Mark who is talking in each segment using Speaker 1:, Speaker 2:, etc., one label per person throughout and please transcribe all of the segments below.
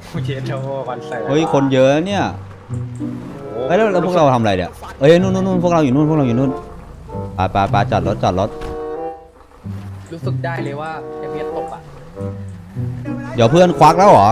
Speaker 1: เจโชคอนเสิร์ต
Speaker 2: เฮ้ยคนเยอะเนี่ยเฮ้ยแล้วพวกเราทำอะไรเนี่ยเอ้ยนู่นพวกเราอยู่นู่นไปจอดรถ
Speaker 1: รู้สึกได้เลยว่าเอฟเอสตกอ่ะ
Speaker 2: เดี๋ยวเพื่อนควักแล้วเหรอ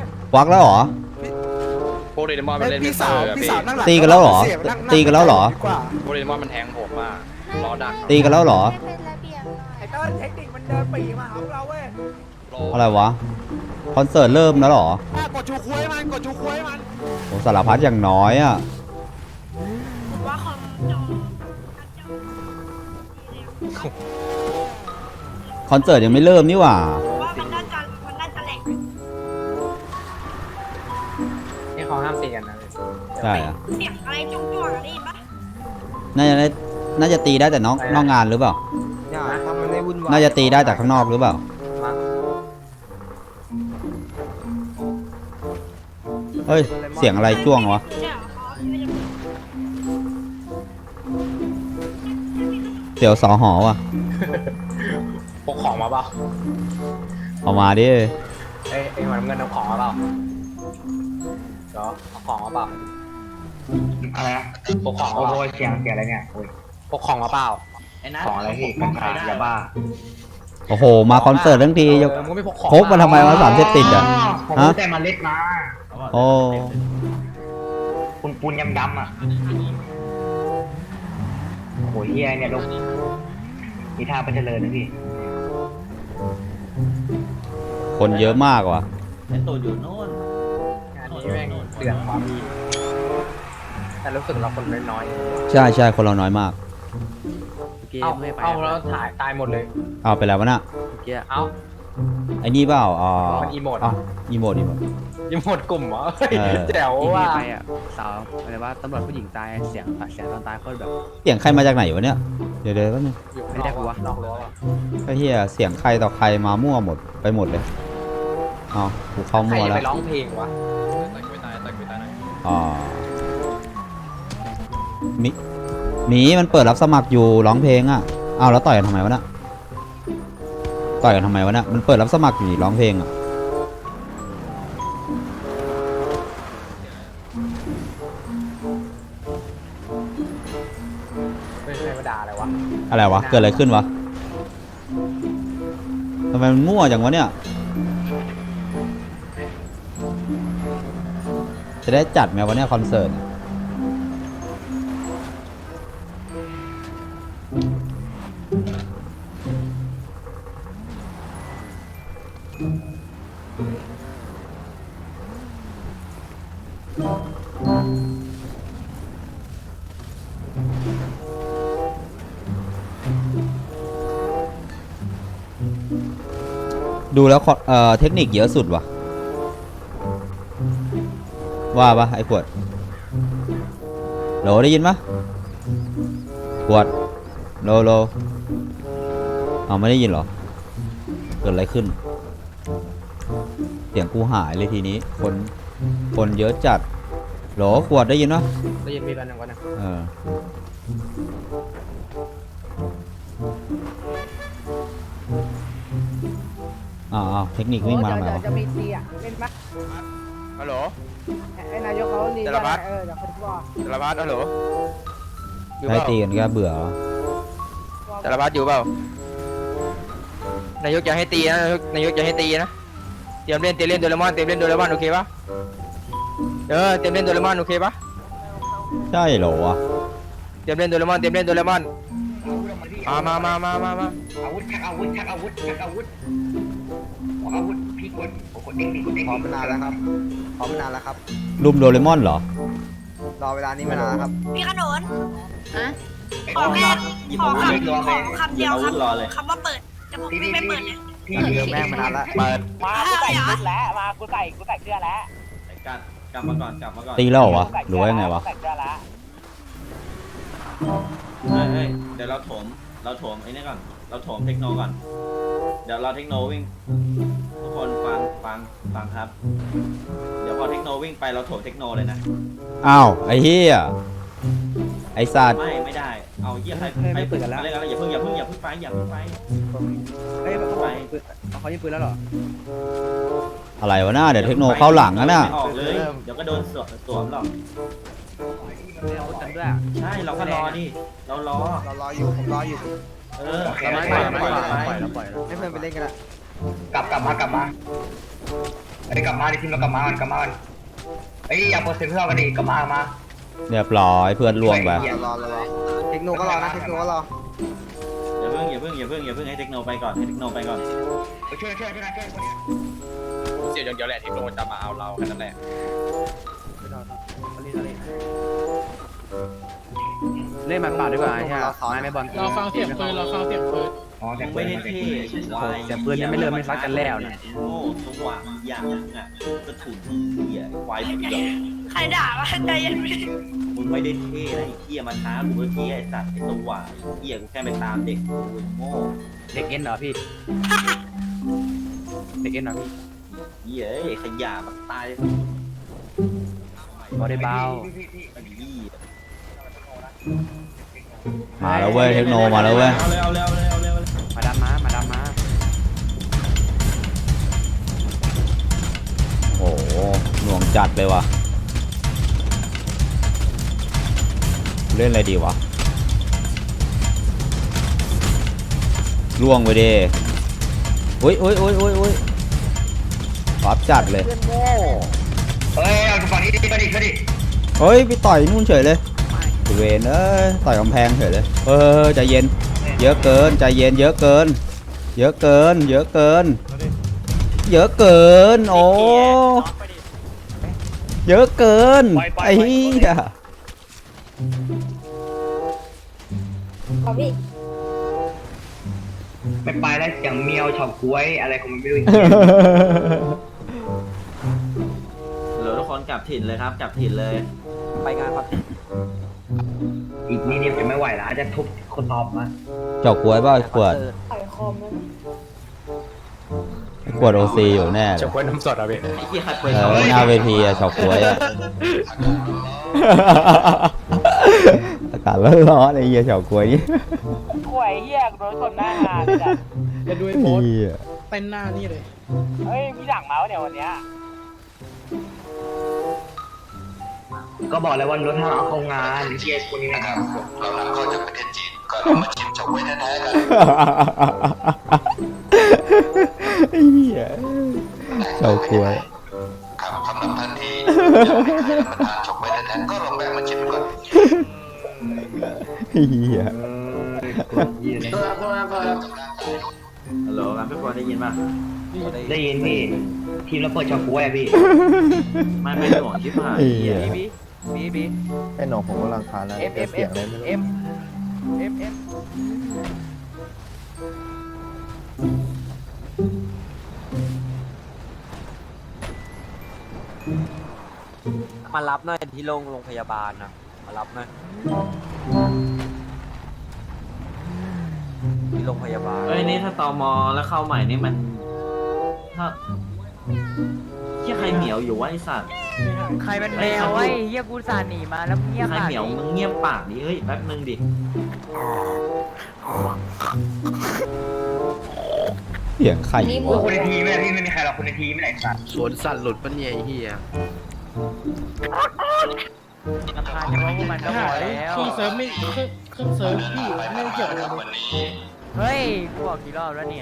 Speaker 3: โปเกมอนมันเล่น
Speaker 4: พี่สาวนั่งหลัง
Speaker 2: ตีกันแล้วเหรอ
Speaker 3: โปเกมอนมันแทงผมมากรอดัก
Speaker 2: ตีกันแล้วเหรอ
Speaker 5: ไม่เป็นระเบียบหน่อย
Speaker 4: ไอ้เต้นเทคนิคมันเดินปีมาหาเราเว้ย
Speaker 2: อะไรวะคอนเสิร์ตเริ่มแล้วเหรอก
Speaker 4: ดชูคุยมัน
Speaker 2: โอ้สารพัดอย่างน้อยอ่ะ
Speaker 5: ผมว่าคอมจอ
Speaker 2: คอนเสิร์ตยังไม่เริ่มนี่หว่า
Speaker 5: ผมว่ามันน่าจะแหลก
Speaker 1: นี่เขาห้ามตีกันนะ
Speaker 2: ใช่อะ
Speaker 5: เสียงอะไรจุ๊กๆอะไรปะ
Speaker 2: น่าจะตีได้แต่นอกงานหรือเปล่า
Speaker 4: อย่าทำมันให้วุ่นวาย
Speaker 2: น่าจะตีได้แต่ข้างนอกหรือเปล่า
Speaker 1: มา
Speaker 2: เฮ้ยเสียงอะไรจ้วงวะ
Speaker 5: เนี่ยอ๋อไม่ได้
Speaker 2: เสียวสอหอว่ะ
Speaker 1: พกของมาเปล่า
Speaker 2: เอามาดิ
Speaker 1: เอ้ยหัวน้ำเงินเอาของมาเปล่าเดี๋ยวเอาของมาเปล่า
Speaker 6: อะไรนะ
Speaker 1: พกของ
Speaker 6: โอ้
Speaker 1: มาเป
Speaker 6: โห
Speaker 1: ล่า
Speaker 6: เสียงอะไรเนี่ยโอ้ย
Speaker 1: พกของมาเปล่า
Speaker 6: ของอะไรพี่กัญชายาบ้า
Speaker 2: โอ้โหมาคอนเสิร์ตทั้งทีจะ
Speaker 1: มึงไม่พกของ
Speaker 2: พกมาทำไมวะสารเสพติดอ่ะ
Speaker 6: ผม
Speaker 2: ฮะ
Speaker 6: แต่มาเล็ดมา
Speaker 2: โอ้
Speaker 6: ปูนยำอ่ะโอ้โหเฮียเนี่ยลูกมีท่าไปเจริญนะพี่
Speaker 2: คนเยอะมากว่ะ
Speaker 1: งานนี้แม่งเดือดความมีแต่รู้สึกเราคนน้อย
Speaker 2: ใช่คนเราน้อยมาก
Speaker 1: ๆเอาแล้วถ่ายตายหมดเลย
Speaker 2: เอาไปแล้ววะน่ะ
Speaker 1: เอา
Speaker 2: ไอ้นี่เปล่า
Speaker 1: มันอีโมด
Speaker 2: อีโมด
Speaker 1: ยังหมดกลุ่มเหรอ
Speaker 2: เออ
Speaker 1: แจ๋วว่ะ
Speaker 7: ไปอ่ะสาวอะไรว่าตำรวจผู้หญิงตายเสียงตอนตายโคตรแบบ
Speaker 2: เสียงใครมาจากไหนวะเนี่ยเดี๋ยวแป๊บนึง
Speaker 1: อยู่
Speaker 7: ไม่ได้กูวะ
Speaker 1: นอกรั้ววะ
Speaker 2: ไอ้เหี้ยเสียงใครต่อใครมามั่วหมดไปหมดเลยเอากูเข้า
Speaker 1: ใคร
Speaker 2: มั่ว
Speaker 1: จะ
Speaker 2: แล้ว
Speaker 1: ไปร้องเพลงวะ
Speaker 3: ตักไปตายหน่อย
Speaker 2: อ๋อหมีมันเปิดรับสมัครอยู่ร้องเพลงอ่ะเอาแล้วต่อยกันทำไมวะน่ะมันเปิดรับสมัครอยู่นี่ร้องเพลงอ่ะ
Speaker 1: ไม่ใช่มาด่าอะไรวะ
Speaker 2: อะไรวะเกิดอะไรขึ้นวะทำไมมันมั่วจังวะเนี่ยจะได้จัดไหมวะเนี่ยคอนเสิร์ตดูแล้วเทคนิคเยอะสุดว่ะว่าปะไอ้ขวดโหลได้ยินปะขวดโลเอาไม่ได้ยินเหรอเกิดอะไรขึ้นเสียงกูหายเลยทีนี้คนเยอะจัดโหลขวดได้ยินปะ
Speaker 1: ได้ยินมีกันหนึ่งวันนึง
Speaker 2: เอออ้าวเทคนิควิ่งมาทำไมวะ
Speaker 4: จะมีตีอ่ะเล่นปะ
Speaker 3: ฮัลโหล
Speaker 4: ไอ้นายกเขาลี
Speaker 3: จารพัฒน์
Speaker 4: เดี๋ยวเขาบอก
Speaker 3: จารพัฒน์ฮัลโหลอยู่
Speaker 2: ได้
Speaker 3: เปล่า
Speaker 2: ตีกันก็เบื่อเหรอ
Speaker 3: จารพัฒน์อยู่เปล่านายกจะให้ตีนะนายกจะให้ตีนะเตรียมเล่นโดเรมอนโอเคปะเตรียมเล่นโดเรมอนโอเคปะ
Speaker 2: ใช่เหรอวะ
Speaker 3: เตรียมเล่นโดเรมอนมา
Speaker 6: อาวุธชักอาวุธออกอาวุธพี่กดเด็กกดเด็ก
Speaker 4: พร้อมมานานแล้วครับ
Speaker 2: รุมโดเรมอนเหรอ
Speaker 4: รอเวลานี้มานานแล้วครับ
Speaker 5: พี่ขนน
Speaker 6: ขอ
Speaker 5: ขอคำเดียวครับคำว่าเปิดจะผมไม่เปิดเลย
Speaker 6: พี่
Speaker 4: เรื่องแม่งมานานแล้ว
Speaker 3: เปิด
Speaker 8: มากูใส่ชุดแล้วมากูใส่เสื้อแล้ว
Speaker 3: กลับมาก่อน
Speaker 2: ตีแล้วเหรอวะหรือว่ายังไงวะ
Speaker 8: ใส่เสื้อแล้ว
Speaker 9: เฮ้ยเดี๋ยวเราโถมไอ้นี่ก่อนเราโถมเทคโนก่อนเดี๋ยวเราเทคโนวิ่งทุกคนฟังครับเดี๋ยวพอเทคโนวิ่งไปเราโถมเทคโนเลยนะ
Speaker 2: อ้าวไอ้เหี้ยไอ้สัตว์
Speaker 9: ไม่ได้เอาเยี่ยใคร
Speaker 7: ไม่เปิดกันแล้ว
Speaker 9: อะไรอย่าเพิ่งไป
Speaker 7: เฮ้ยเขายิงปืนแล้วเหรอ
Speaker 2: อะไรวะหน้าเดี๋ยวเทคโนเข้าหลังนะน่ะ
Speaker 9: ไม่ออกเลยเดี๋ยวก็โดนสวมหรอก
Speaker 7: ไม่เอากันด้วย
Speaker 9: ใช่เราก็รอดิเรารอ
Speaker 4: เรารออยู่ผมรออยู่
Speaker 9: เออ
Speaker 7: เราปล่อยแล้วปล่อยแล้ว
Speaker 4: ให้เพื่อนไปเล่นกันละ
Speaker 6: กลับมาไอ้กลับมาดิทีมเรากลับมากันไอ้อย่าเปิดเสียงเพื่อนกันดิกลับมา
Speaker 2: เรียบร้อยเพื่อนล่วงไป
Speaker 4: เรารอเทคโนก็รอนะเทคโนก็รอ
Speaker 9: อย่าเพิ่งให้เทคโนไปก่อนให้เทคโนไปก่อน
Speaker 6: ช่วยคนนี้
Speaker 1: เสียอย่างเดียวแหละที่โดนจะมาเอาเราแค่นั้นแหละ
Speaker 7: เล่นมันเปล่าดีกว่าใช่ไหมไม่บอล
Speaker 8: เราฟังเสียงปืนเราฟังเสียงปืน
Speaker 6: อ๋อแต่
Speaker 9: มึงไม่ได้เท่ควาย
Speaker 7: แต่ปืนยังไม่เริ่มไม่ซักกันแล้วนะ
Speaker 9: โง่สว่างอย่างอ่ะกระถุนเหี้ยควายมึงแบบ
Speaker 5: ใครด่าวะใจเย็นพี่
Speaker 9: มึงไม่ได้เท่นะไอ้เหี้ยมาท้ากูเมื่อกี้ไอ้สัตว์ไอ้สว่างไอ้เหี้ยกูแค่ไปตามเด็กกูโง่
Speaker 7: เด็กเอ็นเหรอพี่เด็กเอ็นเหรอพี่
Speaker 9: เหี้ยไอ้ขยะมันตาย
Speaker 7: บอได้เบา
Speaker 9: ไอ้เหี้ย
Speaker 2: มาแล้วเว้ยเทคโนมาแล้วเว้ย
Speaker 9: เอาเร็ว
Speaker 7: มาดามมา
Speaker 2: โอ้โหหน่วงจัดเลยว่ะเล่นอะไรดีวะล่วงไปดิอุ้ยปั๊บจัดเลย
Speaker 6: เฮ้ยเอาฝั่งนี้ก็ดิ
Speaker 2: เฮ้ยไปต่อยนู่นเฉยเลยเวนเอ้ยต่อยกำแพงเฉยเลยใจเย็นเยอะเกินใจเย็นเยอะเกินโอ้เยอะเกินไอ้เหี้ย
Speaker 5: ขอพี่
Speaker 6: ไม่ไปแล้วเสียงเมียวเฉาก้วยอะไรของมันไม่รู้
Speaker 9: เหลือทุกคนกลับถิ่นเลยครับกลับถิ่นเลย
Speaker 1: ไปงานครับ
Speaker 6: อีกนิดเดียวจะไม่ไหวแล้วจะทุบคนตอบมา
Speaker 2: เจาะกล้วยเปล่าไอ้ขวด
Speaker 5: ต่อยคอมมัน
Speaker 2: ไอ้ขวดโอซีอยู่แน่เลย
Speaker 1: จะควยน้ำสดอ่ะพี่
Speaker 9: ไอ้เหี้ยใครเปิด
Speaker 2: หน้าเวทีอะเจาะกล้วยอะอากาศร้อนๆไอ้เหี้ยเจาะกล้วยนี่
Speaker 8: ข่วยเหี้ยโดนคนหน้างานเลยจ้ะ
Speaker 4: จะดูไอ้โพส
Speaker 2: เหี้ย
Speaker 4: เต้นหน้านี่เลย
Speaker 8: เฮ้ยพี่หลังเมาส์เนี่ยวันเนี้ย
Speaker 6: ก็บอกแล้วว่ารถห้าเอาเข้างานเชียร์คนนี้นะครับ
Speaker 2: ไอ้เหี้ยเจาะกล้วยไอ้เหี้ย
Speaker 9: ฮัลโหลครับพี่บอลได้ยินป่ะ
Speaker 6: ได้ยินพี่ทีมเราเปิดเฉาก้วยอะพี่
Speaker 9: ไม่หน่วงชิบหาย
Speaker 2: ไอ้เหี้ย
Speaker 7: บี
Speaker 4: ไอ้หนองผมกำลังคานแล้ว
Speaker 7: เอฟ
Speaker 1: มารับหน่อยที่โรงพยาบาลนะมารับหน่อยที่โรงพยาบาล
Speaker 9: เอ้ยนี่ถ้าตมแล้วเข้าใหม่นี่มันถ้าเหี้ยใครเหมียวอยู่วะไอสัตว์
Speaker 3: ใครเป็นแมวไอ้เฮียกูสาหนีมาแล้วเงียบ
Speaker 9: ใครเหมียวมึงเงียบปากดิเฮ้ยแป๊บนึงดิ
Speaker 2: เสียงไข่
Speaker 6: โอ้
Speaker 2: วะ
Speaker 6: คนในทีมไม่มีใครหรอกคนในทีมไม่ไหนสัตว์
Speaker 4: สวนสัตว์หลุดปะเนี่ยไอ้เหี้ย
Speaker 3: ลำพานเฉพาะพวกมันก็พอแล้ว
Speaker 8: เครื่องเซิร์ฟไม่เครื่องเซิร์ฟพี่ไม่ได้เกี่ยวกับมัน
Speaker 3: เฮ้ยกูบอกกี่รอบแล้วเนี่ย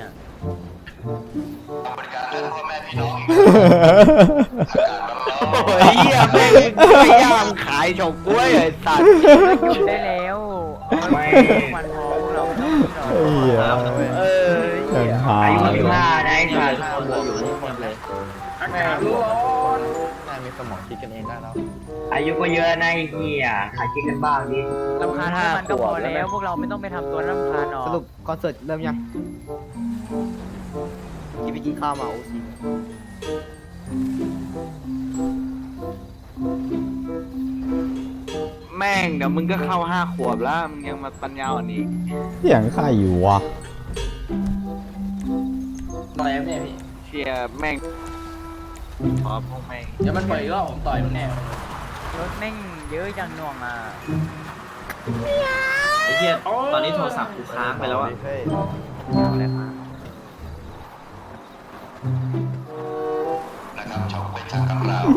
Speaker 1: โอ้ยเหี้ยแม่งพยายามขายเฉาก้วยไอ้สัตว์
Speaker 3: หยุดได้แล้วไม่มันพอพวกเราไม่ต้องหรอก
Speaker 2: ไอ้เหี้ย ยังหา
Speaker 6: อายุ
Speaker 2: เล
Speaker 6: สิบ
Speaker 2: ย
Speaker 6: ห้าได้
Speaker 9: ทุก
Speaker 6: สัตว์
Speaker 9: คนเราอยู่นี่หมดเลย
Speaker 4: น่ามีสมองคิดกันเองได้แล้ว
Speaker 6: อายุก็เยอะนะไอ้เหี้ยหาคิดกันบ้างดิ
Speaker 3: ลำพานพวกมันก็พอแล้วพวกเราไม่ต้องไปทำตัวลำพานหรอก
Speaker 4: สรุปคอนเสิร์ตเริ่มยังที่ไปกินข้าวมาโอซี
Speaker 1: แม่งเดี๋ยวมึงก็เข้า5 ขวบแล้วมึงยังมาปัญญาอ่อนอีก
Speaker 2: เสียงไข่อยู่วะ
Speaker 8: ต่อยแม่พี่
Speaker 1: เชียแม่งพอพวกแม่ง
Speaker 8: เดี๋ยวมันปล่อยอีกรอบผมต่อยมันแน่
Speaker 3: รถแม่งเยอะจังหน่วงอ่ะ
Speaker 9: ไอ้เหี้ยตอนนี้โทรศัพท์กูค้างไปแล้วอ่ะ
Speaker 3: อะไรมา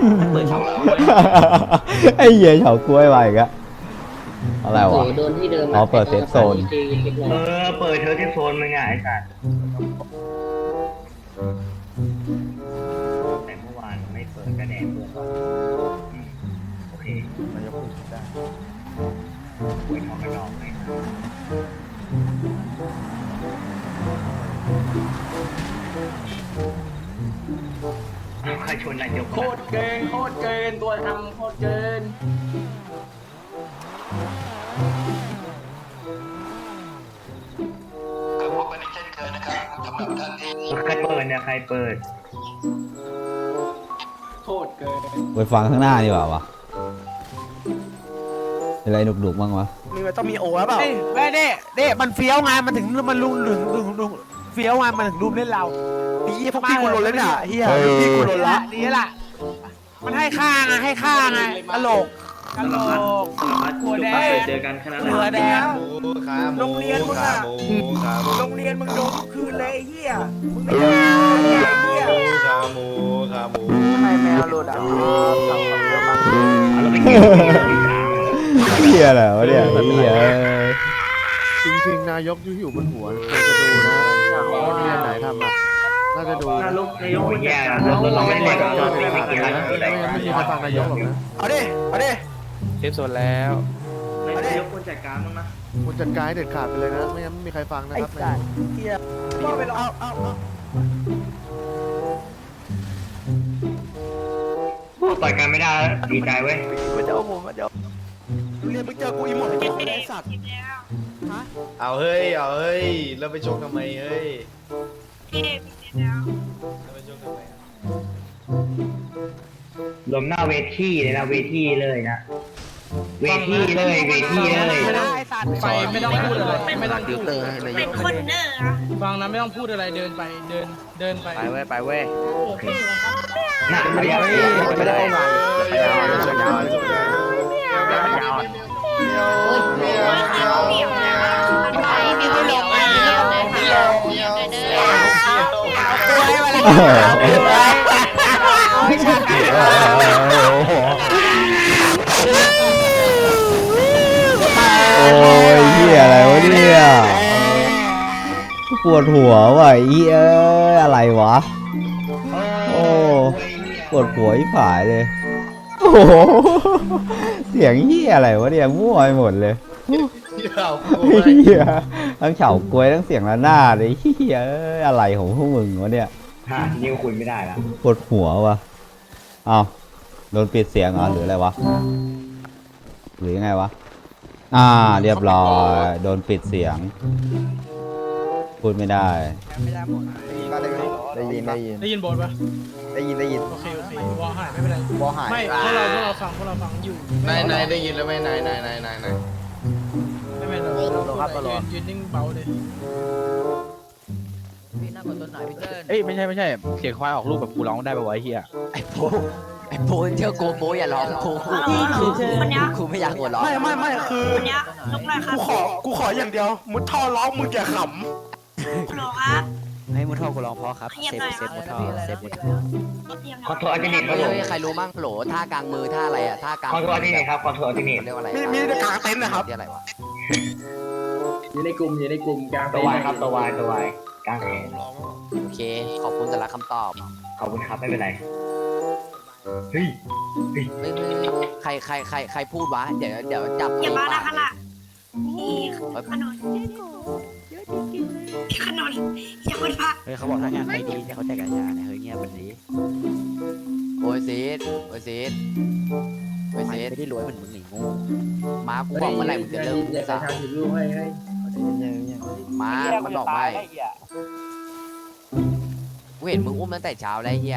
Speaker 9: เปิดช่องแล้ว
Speaker 2: ไอ้เหี้ยเฉากล้วยไปอีกอะอะไรวะอ๋อเปิดเซฟโซน
Speaker 6: เปิดเธอที่โซนมึงไงไอ้สัสแต่เมื่อวานไม่เปิดกระแดดเปิดก่อนโอเคนายกพูดได้หวยทองกระดองเลยใครชวนนายก
Speaker 1: โคตรเกินตัวทำโคตรเกิน
Speaker 6: ใครเปิดเนี่ยใครเปิด
Speaker 1: โคตรเกิน
Speaker 2: ไปฟังข้างหน้าดีกว่าวะเป็นไรหนุกๆบ้างวะ
Speaker 1: มีมันต้องมีโอ้แล้วเปล่า
Speaker 8: แม่เด้มันเฟี้ยวไงมันถึงมันลุงเฟี้ยวไงมันถึงรุมเล่นเรา
Speaker 1: พี่พวกพี่กูหล่นเลยเนี่ยเฮียพี่กูหล่นละ
Speaker 8: นี่แหละมันให้ค่าไงตลกหัวแดง
Speaker 9: เจอกันแค่นั้นแห
Speaker 8: หัว
Speaker 9: ละ
Speaker 8: แดงโรงเรียนมึงอะโรงเรียนมึงโดนทุกคืนเลยไอ้เหี้ยมึงไม่ได้ไอ้เหี้ย
Speaker 1: ให้แมวหลุดอ่ะ
Speaker 2: เหี้ยอะไรวะเนี่ยเหี้ย
Speaker 4: จริงๆนายกอยู่บนหัวควรจะดูนะโรงเรียนไหนทำอ่ะน่าจะดูนะ
Speaker 6: โอ้ยแย่แล้วเราไม่ได้กับการไม่กินอะไรกินอะไร
Speaker 4: ไม่มีใครฟังนายกหรอกนะ
Speaker 1: เอาดิ
Speaker 7: เซฟโซนแล้ว
Speaker 9: นายกควรจัดการบ้างนะ
Speaker 4: คุณจัดการให้เด็ดขาดไปเลยนะไม่งั้นไม่มีใครฟังนะครับนายก
Speaker 6: ต่อยกันไม่ได้ดีใจเว้ย
Speaker 1: มันจะเอาผมมันจะเรียนมึงเจอกูอีหมดไอ้สัตว์
Speaker 4: เอาเฮ้ยแล้วไปชกทำไมเฮ้ย
Speaker 6: ลมหน้าเวทีเลยนะเวทีเลยนะเวทีเลย
Speaker 8: ไปไม่ต้องพูดอะไรไม่ต้องพูด
Speaker 5: เป็นคนเนอร์อะ
Speaker 8: ฟังนะไม่ต้องพูดอะไรเดินไปเดินไป
Speaker 7: ไปเว้ย
Speaker 6: น่ะไม่ได้
Speaker 1: ไม่ได้มา
Speaker 5: เขาเหนียวนะมันไปมีเหนียวมาเหนียวเลยค่ะเหนียวเลยเด้อ
Speaker 2: โอ้ยเหี้ยอะไรวะเนี่ยปวดหัวว่ะไอ้เหี้ยอะไรวะโอ้ปวดหัวอีผายเลยโอ้โหเสียงเหี้ยอะไรวะเนี่ยมั่วไปหมดเลยเหี้ยทั้งเฉากล้วยทั้งเสียงระนาดเลยเหี้ยอะไรของพวกมึงวะเนี่ย
Speaker 6: นิ้วคุยไม่ได้แล้ว
Speaker 2: ปวดหัววะอ้าวโดนปิดเสียงเหรอหรืออะไรวะหรือยังไงวะเรียบร้อยโดนปิดเสียง พูดไม่ได้
Speaker 4: ได้ยิน
Speaker 8: ได้ยินบทปะ
Speaker 4: ได้ยิน
Speaker 8: โอเควอหายไม่เป็นไร
Speaker 4: บอหาย
Speaker 8: ไม่พวกเราฟังอยู่
Speaker 4: นายได้ยินแล้วไหมนาย
Speaker 8: ไม่เป็นไรยืนนิ่งเบาเลย
Speaker 7: เอ้ยไม่ใช่เสียงควายออกลูกแบบกูร้องได้ป่าวะไอ้เหี้ย
Speaker 3: ไอ้โบเชื่อกูโบอย่าร้องกู
Speaker 5: คนเนี้ย
Speaker 3: กูไม่อยากหัวเราะ
Speaker 1: ไม่คือ
Speaker 5: คนเนี้ยลุกเลยครับ
Speaker 1: กูขออย่างเดียวมุดท่อร้องมึงอย่าข
Speaker 5: หรอครับ
Speaker 7: ให้มุทอกูร้องเพราะครับ
Speaker 5: เงียบ
Speaker 7: เซฟ
Speaker 5: หน่อย
Speaker 7: เซฟมุทอเซฟมุทอ
Speaker 6: คอนโทรลอัลติเนตครับผม
Speaker 3: ใครรู้มั่งโหลท่ากลางมือท่าอะไรอะท่ากลาง
Speaker 6: คอนโทรลอัลติเนตครับคอนโทรลอัลติเนต
Speaker 3: เรียกว่าอะไร
Speaker 1: ำมีแต่กางเต็นท์นะครับ
Speaker 3: เรียกอะไรวะ
Speaker 1: อยู่ในกลุ่มกลาง
Speaker 6: ตัววายครับตัววายกลางแขน
Speaker 3: โอเค ขอบคุณสำหรับคำตอบ
Speaker 6: ขอบคุณครับไม่เป็นไรเฮ้ย
Speaker 3: ใครพูดวะเดี๋ยวจับ
Speaker 5: อย่ามาละ
Speaker 3: ป
Speaker 5: ขนาดนี่ขนมขนมอย่าพูดพัก
Speaker 7: เฮ้ยเขาบอกถ้างานไม่ดีเนี่ยเขาแจกกัญชาเนี่ยเฮ้ยเงียบวันนี้
Speaker 3: โอ้ยซีด
Speaker 7: ไม่ได้รวยเหมือนมึงหนีงู
Speaker 3: มากูบอกเมื่อไหร่มึงจะเลิกกูซะมามันบอกไม่กูเห็นมึงอุ้มตั้งแต่เช้าแล้วเฮีย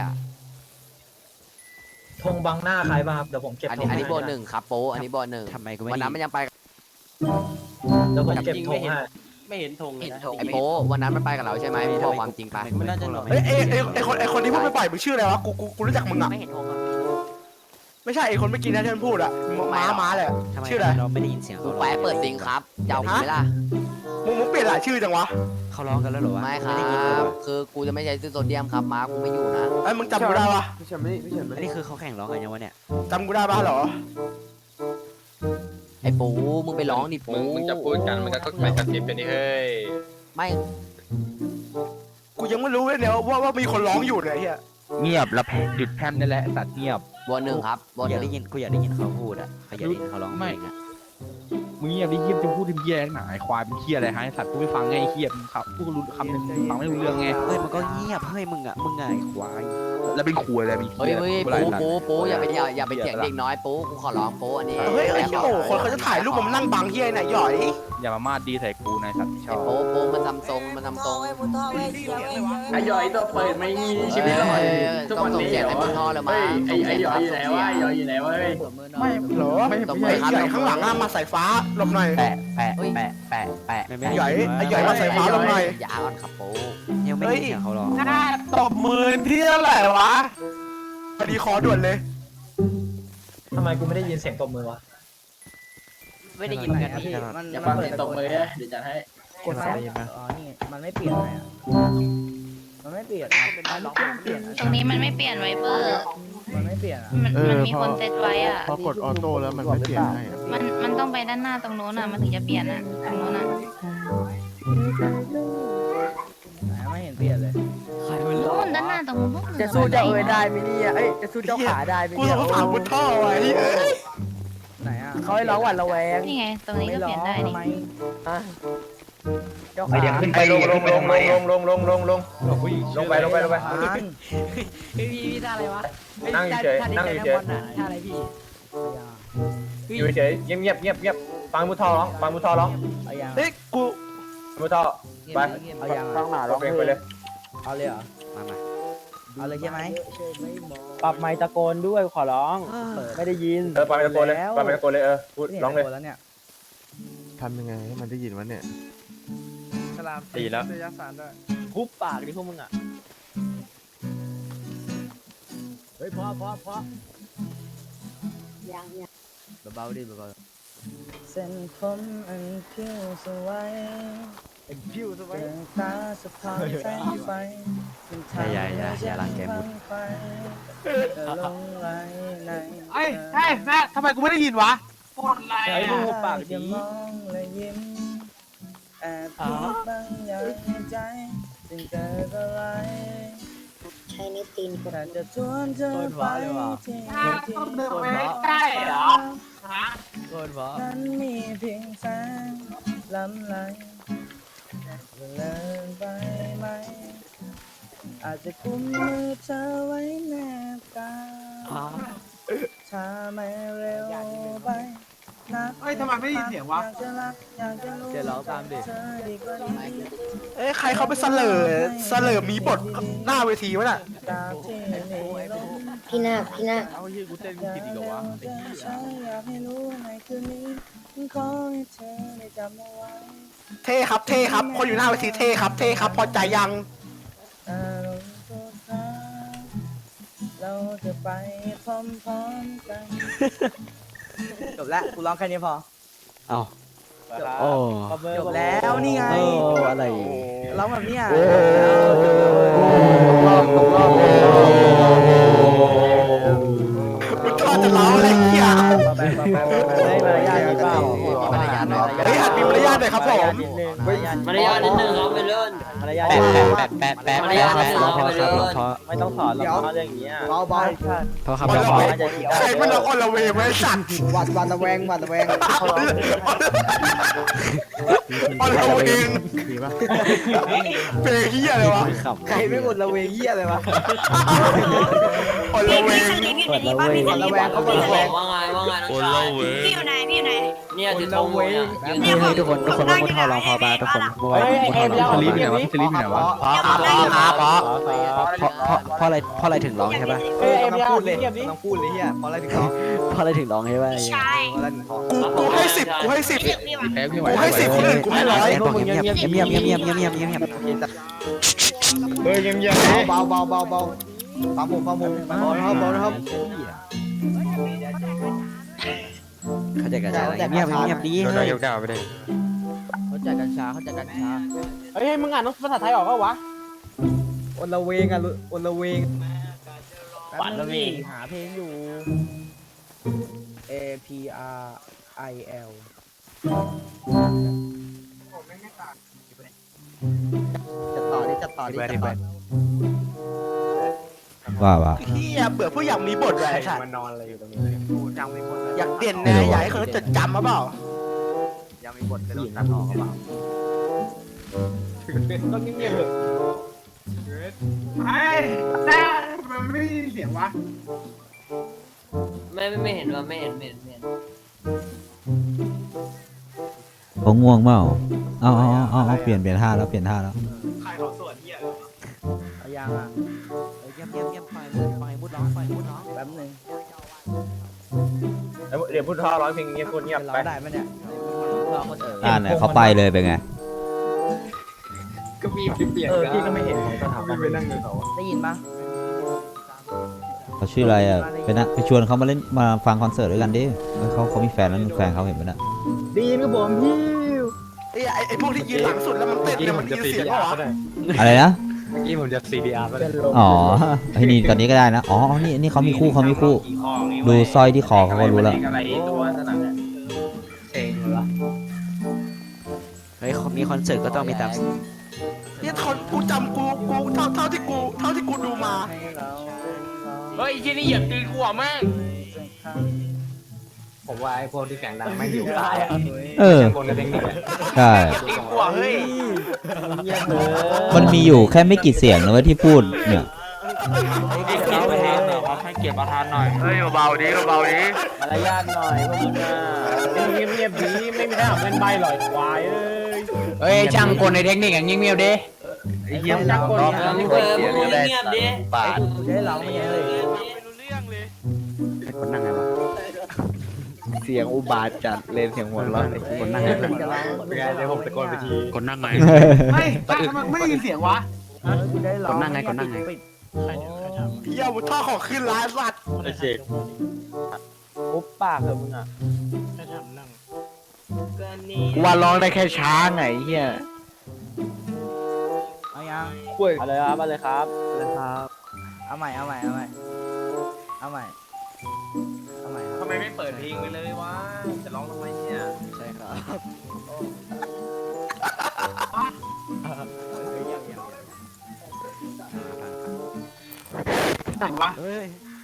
Speaker 1: ธงบังหน้าใครบ้างครับเดี๋ยวผมเก็บ
Speaker 3: อันนี้เบอร์หนึ่งครับโปอันนี้เบอร์หนึ่ง
Speaker 7: ทำไมกูไม่
Speaker 3: วันนั้นมันยังไป
Speaker 1: เดี๋ยวผมเก็บธงให้
Speaker 7: ไม่เห็นธงเลยนะ
Speaker 3: ไอโปวันนั้นมันไปกับเราใช่ไหมมึงบอกความจริงไป
Speaker 7: ไม่น่าจะหรอก
Speaker 1: ไอคนที่พูดไม่ปล่อยมึงชื่ออะไรวะกูรู้จักมึงอ่ะ
Speaker 3: ไม่เห็นธงอ่ะ
Speaker 1: ไม่ใช่ไอคนเมื่อกี้นะที่มันพูดอ่ะม้าเลย
Speaker 7: ทำไม
Speaker 1: ชื่ออะไร
Speaker 7: เราไม่ได้ยินเสียง
Speaker 3: กู
Speaker 7: เขา
Speaker 3: แปะเปิดซิงครับจะเอากูไหมล่ะ
Speaker 8: มึงเปลี่ยนหลายชื่อจังวะ
Speaker 7: เขาร้องกันแล้วเหรอวะ
Speaker 10: ไม่ค
Speaker 7: ด้
Speaker 10: รั
Speaker 7: ยินเลย
Speaker 10: บ
Speaker 7: วะ
Speaker 10: คือกูจะไม่ใช้ซื้อโซเดียมครับม้ากูไม่อยู่นะ
Speaker 8: ไอ้ยมึงจำกูได้ปะ
Speaker 4: พี่เฉินไม่พี่เฉิน
Speaker 7: อัน
Speaker 4: ไม่
Speaker 7: นี้คือเขาแข่งร้องกันยังวะเนี่ย
Speaker 8: จำกูได้ปะเหรอ
Speaker 10: ไอ้ปูมึงไปร้องดิปู
Speaker 1: มึงจะพูดกันมันก็ไม่กระซิบไปนี่เฮ้ย
Speaker 10: ไม่
Speaker 8: กูยังไม่รู้เลยเนี่ยว่ามีคนร้องอยู่เนี่ยไอ้เฮีย
Speaker 7: เงียบแล้วหยุดแพมนี่แหละสัตว์เงียบ
Speaker 10: วอหนึ่งครับวอ
Speaker 7: อ
Speaker 10: ห
Speaker 7: ยาก
Speaker 10: นึ่
Speaker 7: ได้
Speaker 10: ง
Speaker 7: ยินกูอยากได้ยินเขาพูดอ่ะเขาอยากได้ยินเขาร้องเพลงอ่ะ
Speaker 11: มึงเงียบดิเงียบจะพูดถึงเหี้ยหนาไอ้ควายเป็นเหี้ยอะไรฮะไอ้สัตว์กูไม่ฟังไงไอ้เหี้ยมึงครับพูดรู้คำหนึงฟังไม่รู้เรื่องไง
Speaker 7: เฮ้ยมันก็เงียบเฮ้ยมึงอ่ะไอ้ควาย
Speaker 11: แล้วเป็นขวยอะไรมี
Speaker 10: เฮ้ย
Speaker 11: เหี้ย
Speaker 10: เฮ้ย
Speaker 11: กูไล่สัตว์
Speaker 10: ปูอย่าไปเถียงเด็กน้อยปูกูขอร้องปูอันนี้
Speaker 8: เฮ้ยไอ้เหี้ยโอ้คนเขาจะถ่ายรูปมันนั่งบังเฮียไหนหย่อย
Speaker 11: อย่ามามาดดีใส่กูนายสัตว์ที่ช
Speaker 10: ไอ้
Speaker 11: อบ
Speaker 10: ปูมันทำทรง
Speaker 1: ไอ้ย่อยตัวเปิดไม่มีชีวิตหรอทุก
Speaker 10: ต้อง
Speaker 1: วัน
Speaker 10: ส่ง
Speaker 1: นี้
Speaker 10: เสียงให้บนท่อเลยมา
Speaker 1: ไอ้ย่อยอยู่ไหนวะไอ้ย่อยอยู่ไหนวะเฮ้ย
Speaker 8: ไม่เหรอ
Speaker 10: ต้อง
Speaker 8: ไอ้
Speaker 10: ไปครับ
Speaker 8: ใหญ่ข้างหลังอะมาสายฟ้าหลบหน่อย
Speaker 7: แปะไอ้
Speaker 8: ใหญ่ไอ้ใหญ่มาใส่ฟ้าลงหน่อย
Speaker 10: อย่าอ่อนครับปู
Speaker 7: ยังไม่ได้ยินเสียงเขาร้อง
Speaker 8: ตบมือที่เท่าไหร่วะพอดีคอด่วนเลย
Speaker 1: ทำไมกูไม่ได้ยินเสียงตบมือวะ
Speaker 10: ไม่ได้ยินเหมือนกันพี่
Speaker 1: อย่าฟังเสียงตบมือเดี๋ยวจัดให้
Speaker 8: กดไฟ
Speaker 6: อ๋อนี่มันไม่เปลี่ยนเลยอ่ะมันไม่เปลี่ยนเปลี่ยน
Speaker 5: ตรงนี้มันไม่เปลี่ยนไวเปอร์
Speaker 6: มันไม่เปลี่ยนอ่ะ
Speaker 5: มันมีคนเซตไว้อ่ะ
Speaker 4: พอกดออโต้แล้วมันไม่เปลี่ยนให้อะ
Speaker 5: มันต้องไปด้านหน้าตรงโน้นอ่ะ มันถึงจะเปลี่ยนอ่ะ ตรงโน้นอ่ะ
Speaker 6: ไหนไม่เห็นเปลี่ยนเลย
Speaker 5: โน้นด้านหน้าตรงโน้น
Speaker 6: จะสู้เจ้าเอ๋ยได้ไหมเนี่ยเอ้ยจะสู้เจ้าขาได้ไหม
Speaker 8: กู
Speaker 6: เนี่ย
Speaker 8: สงสารมุดท่อไว้เอ้ย
Speaker 6: ไหนอ่ะเขาให้ร้องหวัดระแวง
Speaker 5: นี่ไง ตรงนี้ก็เปลี่ยนได้นี่
Speaker 6: เจ้าขา
Speaker 9: เดี๋ยวขึ้นไปลงลงลงลงลงลงลงลงลงไป
Speaker 10: พี่ท่าอะไรวะ
Speaker 9: นั่งเฉยนั่งเฉย
Speaker 10: ท่าอะไรพี่
Speaker 9: อยู่เฉยเงียบเงียบเงียบฟังมุทอร้องฟังมุทอร้อง
Speaker 6: เอายัง
Speaker 8: เฮ้ยกู
Speaker 9: มุทอไป
Speaker 6: เอายัง
Speaker 4: ข้างหน้า
Speaker 9: ร้
Speaker 4: ร้
Speaker 9: อ
Speaker 4: อง ง
Speaker 9: เพลงไปเลย
Speaker 6: เอาเลยเหรอ
Speaker 7: มา
Speaker 6: เอาเลยใช่ไหม
Speaker 1: ปรับไมค์ตะโกนด้วยขอร้อง ไม่ได้ยิน
Speaker 9: ไปตะโกนเลยไปตะโกนเลยพูดร้องเลย
Speaker 6: แล้วเนี่ย
Speaker 4: ทำยังไงให้มันได้ยินวะเนี่ย
Speaker 9: ดีแล้ว
Speaker 1: ทุบปากดิพวกมึงอ่ะ
Speaker 6: เฮ้ยพอเบาๆดิเบาๆเส้นผมอันผิวสวยผิวสวยตาสะท้อนแสงไฟ
Speaker 7: อย่าลังแกมุด
Speaker 6: ลงไหลใน
Speaker 8: ไอ้แม่ทำไมกูไม่ได้ยินวะปวดไหล่
Speaker 1: ไอ้มึงหุบปากดิ
Speaker 6: จะมองและยิ้มแอบคิดบางอย่างในใจจึงเกิดอะไร
Speaker 5: ใช้นิ้วตีนกด
Speaker 6: แต่จะชวนเธอไปที่ที่
Speaker 8: ได้เหรอ
Speaker 6: นั้นมีเพียงแสงลำไหลเลินไปไหมอาจจะกุมมือเธอไว้แนบกายถ้าไม่เร็วไปนัก
Speaker 8: เฮ้ยทำไมไม่ได้ยินเสียงวะ
Speaker 6: อยากจะรักอยากจะรู้
Speaker 1: เดี๋ยวร้องตามดิ
Speaker 6: เธอดีกว่านี้
Speaker 8: เอ้ยใครเขาไปเสลอมีบทหน้าเวทีวะน่ะ
Speaker 6: ตามที่มีลม
Speaker 5: พี่นาค
Speaker 11: เอาเหี้ยกูเต้นกูผิดอีกเหรอวะไอ้เหี้ย
Speaker 6: อยากให้รู้ในคืนนี้ขอให้เธอได้จำเอาไว้
Speaker 8: เท่ครับคนอยู่หน้าเวทีเท่ครับพอใจยัง
Speaker 6: อารมณ์ทุกครั้งเราจะไปพร้อมๆกัน จบแล้วกูร้องแค่นี้พอ
Speaker 7: โอ้
Speaker 6: จบแล้วนี่ไง
Speaker 7: อะไร
Speaker 6: ร้องแบบเนี้ย
Speaker 8: มุดท่อจะเล้าอะไรเงี้ย
Speaker 6: ได้มารยาทหรือเปล่า
Speaker 10: มารยาทหน่อย
Speaker 8: เฮ้ยหัดมีมารยาทหน่อยครับผม
Speaker 6: นิดนึง
Speaker 1: มารยาทนิดนึงครับไปเลื่อน
Speaker 6: มารยาท
Speaker 7: แปะ
Speaker 6: ไม่ต้องถอนหรอกเขาอย่างเงี้ยเบา
Speaker 7: พอครับ
Speaker 8: วันละ
Speaker 7: พอ
Speaker 8: เวงใครมันละคนละเวงไว้สัตว์
Speaker 6: ๆวันระแวง
Speaker 8: คนละเวง
Speaker 4: ดีปะ
Speaker 8: เพลงเฮียเลยวะ
Speaker 6: ใครไม่หมดระเวงเหี้ยเลยวะ
Speaker 8: คนละเวง
Speaker 6: วันระแวงเขาบอกระแวง
Speaker 1: ว่าไงคนเล่าเว้ย
Speaker 5: พี่อยู่ไหน
Speaker 1: เนี่ยถือธงเลย
Speaker 7: นี่ให้ทุกคนว่ามุทอร้องพอป่ะทุกคนว่ามุทอร้อง
Speaker 11: สลิปอยู่ไหนวะสลิปอยู่ไหนวะ
Speaker 7: เพราะอะไรถึงร้องใช่ป่ะ
Speaker 6: เอ้ยต้องพูดเลยต้องพูดเลยเฮียเพราะอะไรถึงร้อง
Speaker 7: เพราะอะไรถึงร้องใช่ป่ะ
Speaker 5: ใช่
Speaker 6: เพราะอะไรถึงร้อง
Speaker 8: กูให้สิบ
Speaker 5: พี่หวัง
Speaker 11: แพ้พี่ไหว
Speaker 8: กูให้10คนอื่นกูให้100
Speaker 7: บอกเงียบเงียบเงียบเงียบเงียบเงียบเงียบเงียบ
Speaker 9: เฮ้ยเงียบเงียบ
Speaker 6: เบาฟังผมเบานะครับ
Speaker 7: เขาจะกระจายเงียบเงียบดี
Speaker 3: โดนนายกด่าไปเลย
Speaker 6: เฮ้เขาจัดกัญชาเขาจัดกัญชา
Speaker 1: เฮ้ยมึงอ่านภาษาไทยออกปะวะอลเวงอ่ะอลเวง
Speaker 6: ปัดละวีหาเพลงอยู่ A P R I L
Speaker 1: จะต่อดิจะต่อดิจะต่อ
Speaker 2: ว่า
Speaker 8: เฮียเบื่อผู้อยากมีบทเลยใช่
Speaker 1: มันนอนอะไรอยู่ตรงนี้
Speaker 8: อยากเด่นนะอยากให้เขาจดจำมาเปล่า
Speaker 1: ยังมีบทจะโดนตัดออกเปล่าต้องเงียบๆเถอะไอ้แต่มันไม่ได้ยินเสียงวะ
Speaker 10: ไม่เห็นว่าไม่เห็น
Speaker 2: เขาง่วงเปล่าเอาเปลี่ยนท่าแล้วเปลี่ยนท่าแล้ว
Speaker 1: ใครเขาสวดเหี้ย
Speaker 6: เอายังอ่ะ
Speaker 10: เยี่ยมปล่อยมุดร้องปล่อยมุดร้อง
Speaker 6: แป๊บนึง
Speaker 1: เดี๋ยวพูดท่อร้องเพลงเงียบพูดเงียบ
Speaker 6: เป็น
Speaker 1: ไป
Speaker 6: เราได้ไหมเนี่ย
Speaker 10: รอคน
Speaker 2: เนี่ยเขาไปเลยเป็นไง
Speaker 1: ก็มีเปลี่ยนพี่ก็ไม่เห็นของสถาบันไปนั่งอยู่เขา
Speaker 6: ได้ยินปะ
Speaker 2: เขาชื่ออะไรอ่ะไปชวนเขามาเล่นมาฟังคอนเสิร์ตด้วยกันดิเขามีแฟนแล้วแฟนเขาเห็นไหมน่ะ
Speaker 1: ดีนก็ผมพี่
Speaker 8: ไอ้พวกที่ยืนหลังสุดแล้วมันเต้นเนี่ยมันยินเสียงเหรอ
Speaker 2: อะไรนะ
Speaker 1: เมื่อกี้ผมจะ CDR ไปเลย
Speaker 2: อ๋อไอ้นี่ตอนนี้ก็ได้นะอ๋อนี่เขามีคู่ดูสร้อยที่คอเขาก็รู้แล้ว
Speaker 9: อะไรตัวสนามเนี่ย
Speaker 1: เองเหรอ
Speaker 10: เฮ้ยมีคอนเสิร์ตก็ต้องมีตาม
Speaker 8: เนี่ยกูจำกูเท่าที่กูดูมา
Speaker 3: เฮ้ยที่นี่เหยียบตีนกูอ่ะแม่ง
Speaker 1: ผมว่าไอ้พวกที่เสียงดังไม่อยู่ได้ คนกับเทคนิค
Speaker 2: ใช่
Speaker 3: เหยียบตีนกูอ่ะเฮ้ย
Speaker 1: เงียบเลย
Speaker 2: มันมีอยู่แค่ไม่กี่เสียงนะเว้ยที่พูดเนี่ย
Speaker 3: ให้เกียรติประธานหน่อยครับให้เกียรติประธานหน่อยเฮ้ยเบาๆดิเบาๆดิ
Speaker 6: มารยาทหน่อยพวกมึงอ่ะ
Speaker 1: เงียบดีไม่มีใครทำเป็นใบหรอกควายเอ้ย
Speaker 3: เฮ้ยช่างคนในเทคนิคอย่างเงียบๆดิ
Speaker 1: ไอ้เหี้ยจักคนนี่ก็เสียงได้บาท
Speaker 6: จะให้เราไม่ใช่เลย
Speaker 7: คนนั่งไงวะ
Speaker 4: เสียงอุบาทจัดเลนเสียงหัวเราะ
Speaker 7: คนนั่งไง
Speaker 1: เป็นไงเดี๋ยวผมตะโกนไปที
Speaker 7: คนนั่งไง
Speaker 1: ไม่ไม่ได้ยินเสียงวะ
Speaker 7: คนนั่งไงคนนั่งไง
Speaker 8: เฮียมุดท่อของขึ้นร้านสัตว์
Speaker 1: ไอ้เจ๊ก
Speaker 6: ปุ๊บปากเหรอมึงอ่ะ
Speaker 4: กูว่าร้องได้แค่ช้างไงเฮีย
Speaker 6: เอายัง
Speaker 1: เอาเลยครับเอาเลยครับ
Speaker 6: เอาใหม่ครับ
Speaker 3: ทำไมไม่เปิดเพลงไปเลยวะจะร้องทำไมเนี่ย
Speaker 6: ใช่ครับ
Speaker 1: ไหนวะ
Speaker 6: เฮ้ย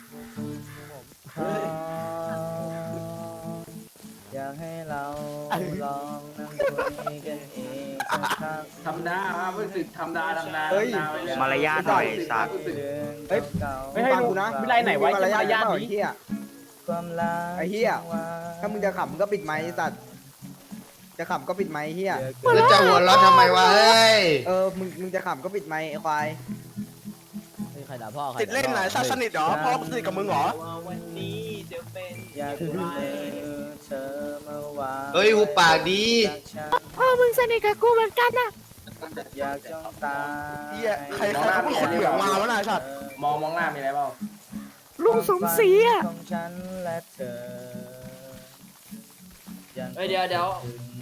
Speaker 6: อยากให้เราลองนั่งคุยกันอีกสักครั้ง
Speaker 3: ทำได้ครับรู้สึกทำได้
Speaker 1: เฮ้ย
Speaker 3: มารยาทหน่อยสัตว์
Speaker 1: เฮ้ยไม่ให้ดูนะวิไลไหนไว้จะมารยาทนี้
Speaker 6: ความรัก
Speaker 1: ไอ้เหี้ย ถ้ามึงจะขำก็ปิดไมค์สัตว์จะขำก็ปิดไมค์เหี้ย
Speaker 4: แล้วจะหัวเราะทำไมวะเฮ้ย
Speaker 1: มึงจะขำก็ปิดไมค์ไอ้ควาย
Speaker 6: ใครด่าพ่อใคร
Speaker 8: ติดเล่นไหนซะสนิทเหรอพ่อกูสนิทกับมึงเหรอ
Speaker 6: อยากรู้เธอมาว่า
Speaker 4: เฮ้ยหูปากดี
Speaker 5: พ่อมึงสนิทกับกูเหมือนกันน่ะ
Speaker 6: อยากจ้องตา
Speaker 8: เฮียใครเขาเป็นคนเหลืองมาวะนายสัตว์
Speaker 3: มองหน้ามีอะไรเปล่า
Speaker 5: ลุงสมศรีอ่ะ
Speaker 6: ของฉันและเธอยัง
Speaker 10: เฮ้ยเดี๋ยว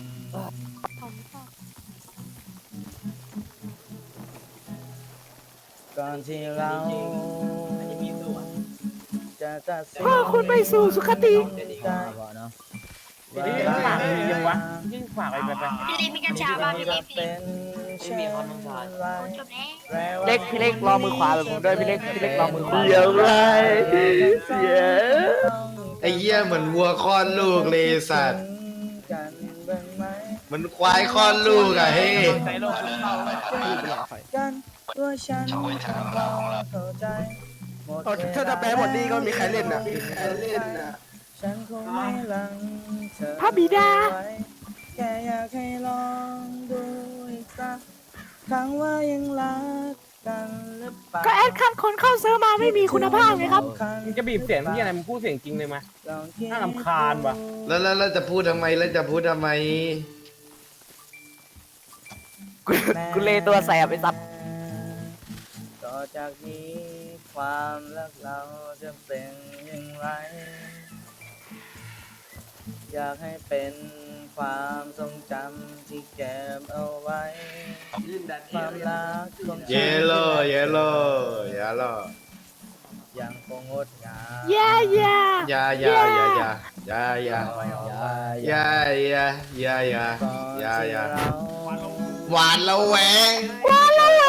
Speaker 6: ก่อนที่เราจะตัดสิน
Speaker 5: พ่อคุณไปสู่สุคติ
Speaker 6: ใจก่อนเนาะ
Speaker 3: พี่ลิฟฝากเลยยังวะยิ่งฝากไป
Speaker 5: พี่ลิฟมีกัญชาบ้างพี่ลิฟ
Speaker 6: เป็นเช่นไร
Speaker 5: จบแล้ว
Speaker 3: พี่เล็กรอมือขวาแบบผมด้วยพี่เล็กรอมือขวา
Speaker 4: เสียงไรเสียไอ้เหี้ยเหมือนวัวคลอดลูกเลยสัตว์
Speaker 6: กันบ้างไหม
Speaker 4: มันควายคลอดลูกอะเฮ้ย
Speaker 3: ใจโลกคุณเข้า
Speaker 6: กันตัวฉันเข้าใจหมด
Speaker 8: ถ้าจะแปลหมดนี่ก็มีใครเล่นน่ะ
Speaker 6: ฉันคงไม่ลังเธอ
Speaker 5: พระบิดา
Speaker 6: ไว้แค่อยากให้ลองดูอีกสักครั้งว่ายังรักกันหรือเปล่า
Speaker 5: ก็แอดคันคนเข้าเซิร์ฟมาไม่มีคุณภาพไงครับ
Speaker 3: มึงจะบีบเสียงที่อะไรมึงพูดเสียงจริงเลยไหม
Speaker 6: ลองคิด
Speaker 3: น่ารำคาญว่ะ
Speaker 4: แล้วจะพูดทำไม
Speaker 6: แน่
Speaker 10: กูเลตัวแสบไอ้สัตว์
Speaker 6: ต่อจากนี้ความรักเราจะเป็นอย่างไร อยากให้เป็นความทรงจำที่เก็บเอาไว้ความรักของฉัน
Speaker 4: เยลโล่เยลโล่เยลโล่
Speaker 6: ยังคงงดงาม
Speaker 5: อย่าอย่า
Speaker 4: ยายายายายายายายายายายายาหวานละแวงหวานละแว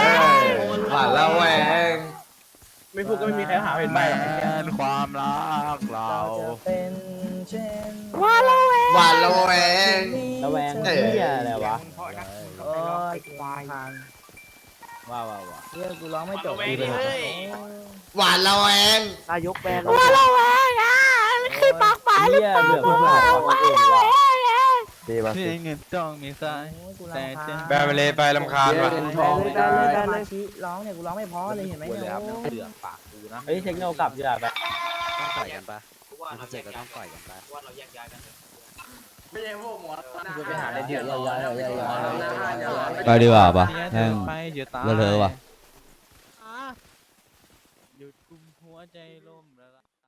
Speaker 4: ง
Speaker 6: ไม่พูดก็ไม่มีใครหาเห็นไหม
Speaker 11: ความรักเรา
Speaker 6: จะเป็นเช่น
Speaker 4: หวานละแวง
Speaker 6: ระแวง
Speaker 4: เอ้ย
Speaker 6: เหี้ยอะไรวะโอ้ยควายว้าวเรื่องกูร้องไม่จบดีเลย
Speaker 4: หวานละแวง
Speaker 6: นายกแบน
Speaker 5: ว่าเราแหวงอ่ะมันคือปากหมาหรือเปล่าว่าเราแหวงอ่ะ
Speaker 6: ดีป่ะ
Speaker 11: เพียงเงินต้องมีสายแต่จะ
Speaker 3: แบนไปเลยไปลำคาญว่ะ
Speaker 6: ได้เลยร้องเนี่ยกูร้องไม่พอเลยเห็นไหมเนี่ย
Speaker 11: เหลืองปากกูนะ
Speaker 6: เฮ้ยเทคโนกลับดีกว่าแบบ
Speaker 10: ต้องต่อยกันปะมีคอนเสิร์ตก็ต้องต่อยกันปะ
Speaker 6: ไปหาอะไรเดี๋ยวย้าย
Speaker 2: ไปดีกว่าปะแม่ง
Speaker 11: ไปเดี๋ยวตาย
Speaker 2: เลอะเทอะว่ะ
Speaker 11: หยุดกุมหัวใจล่มแล้ว